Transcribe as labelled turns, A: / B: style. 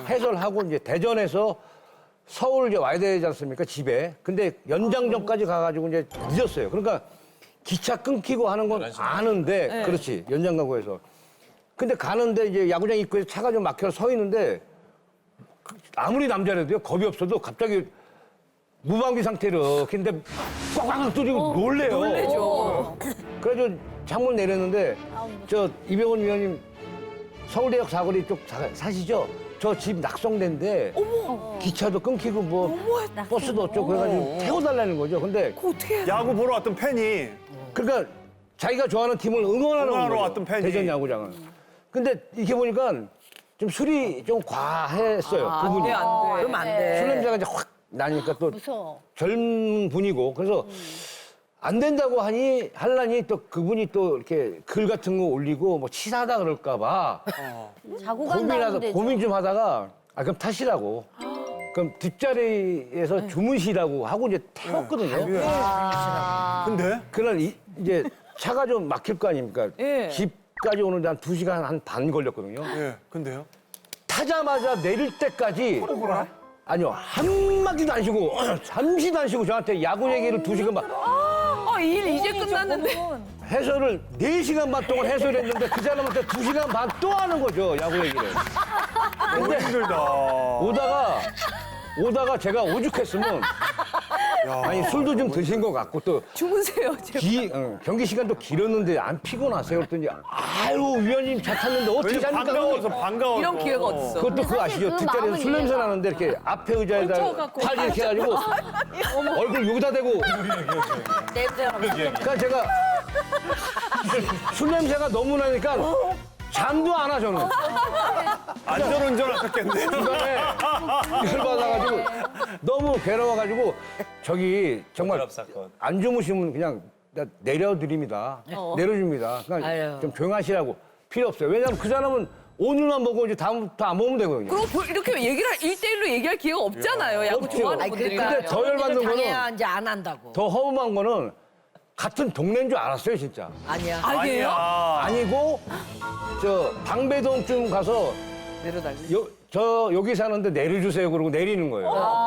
A: 해설하고 이제 대전에서 서울 이제 와야 되지 않습니까? 집에. 근데 연장전까지 가가지고 이제 늦었어요. 그러니까 기차 끊기고 하는 건 아는데, 그렇지. 연장 가고 해서. 근데 가는데 이제 야구장 입구에 차가 좀 막혀서 서 있는데 아무리 남자라도요, 겁이 없어도 갑자기 무방비 상태로 근데 꽉꽉 뚫리고 놀래요.
B: 놀래죠.
A: 그래가지고 창문 내렸는데 저 이병헌 위원님 서울대역 사거리 쪽 사시죠? 저 집 낙성대인데 기차도 끊기고 뭐 버스도 어쩌고 그래가지고 태워달라는 거죠. 근데
B: 그거 어떻게 해?
C: 야구 보러 왔던 팬이
A: 그러니까 자기가 좋아하는 팀을 응원하는
C: 응원하러
A: 거죠.
C: 왔던 팬이.
A: 대전 야구장은. 근데 이렇게 보니까 좀 술이 좀 과했어요. 그분이.
B: 안 돼. 그럼 안 돼.
A: 술 냄새가 이제 확 나니까 또
D: 무서워.
A: 젊은 분이고 그래서 안 된다고 하려니 또 그분이 또 이렇게 글 같은 거 올리고 뭐 치사하다 그럴까 봐
D: 자고 간다면 되죠.
A: 고민 좀 하다가 그럼 타시라고. 그럼 뒷자리에서 주무시라고 하고 이제 태웠거든요.
C: 근데
A: 그날 이제 차가 좀 막힐 거 아닙니까?
B: 예.
A: 집까지 오는데 한 2시간 한 반 걸렸거든요.
C: 예 근데요?
A: 타자마자 내릴 때까지 아니요 한마디도 안 쉬고 잠시도 안 쉬고 저한테 야구 얘기를 2시간 반
B: 일 이제 끝났는데.
A: 해설을 4시간 반 동안 해설했는데 그 사람한테 2시간 반 또 하는 거죠 야구 얘기를.
C: 너무 힘들다.
A: 오다가 제가 오죽했으면 아니 술도 좀 드신 것 같고 또
B: 주무세요, 제발.
A: 경기 시간도 길었는데 안 피곤하세요? 그랬더니 아유 위원님 차 탔는데 어떻게
C: 왜냐면
A: 잡니까?
C: 반가워서.
B: 이런 기회가 어딨어.
A: 그것도 그거 아시죠?
D: 그
A: 뒷자리에서
D: 마음을
A: 술 냄새
D: 이해가
A: 나는데 이렇게 앞에 의자에다
B: 얹혀갖고.
A: 팔 이렇게 해가지고 얼굴 여기다 대고
D: 냄새가
A: 그러니까 제가 술 냄새가 너무 나니까 잠도 안 와 저는.
C: 안전운전 하셨겠네요.
A: 중간에 열받아가지고 너무 괴로워가지고 저기 정말 안 주무시면 그냥 내려드립니다. 내려줍니다. 그러니까
D: 아유.
A: 좀 조용하시라고 필요 없어요. 왜냐하면 그 사람은 오늘만 보고 이제 다음부터 안 보면 되거든요.
B: 그리고 이렇게 얘기를 1대1로 얘기할 기회가 없잖아요. 야구
A: 없죠.
B: 좋아하는
A: 아니,
B: 분들이.
A: 근데 더 열받는
D: 당해야
A: 거는
D: 이제 안 한다고.
A: 더 허무한 거는 같은 동네인 줄 알았어요 진짜.
D: 아니야.
B: 아니에요?
A: 아니고 저 방배동쯤 가서
B: 내려달리.
A: 저 여기 사는데 내려주세요 그러고 내리는 거예요.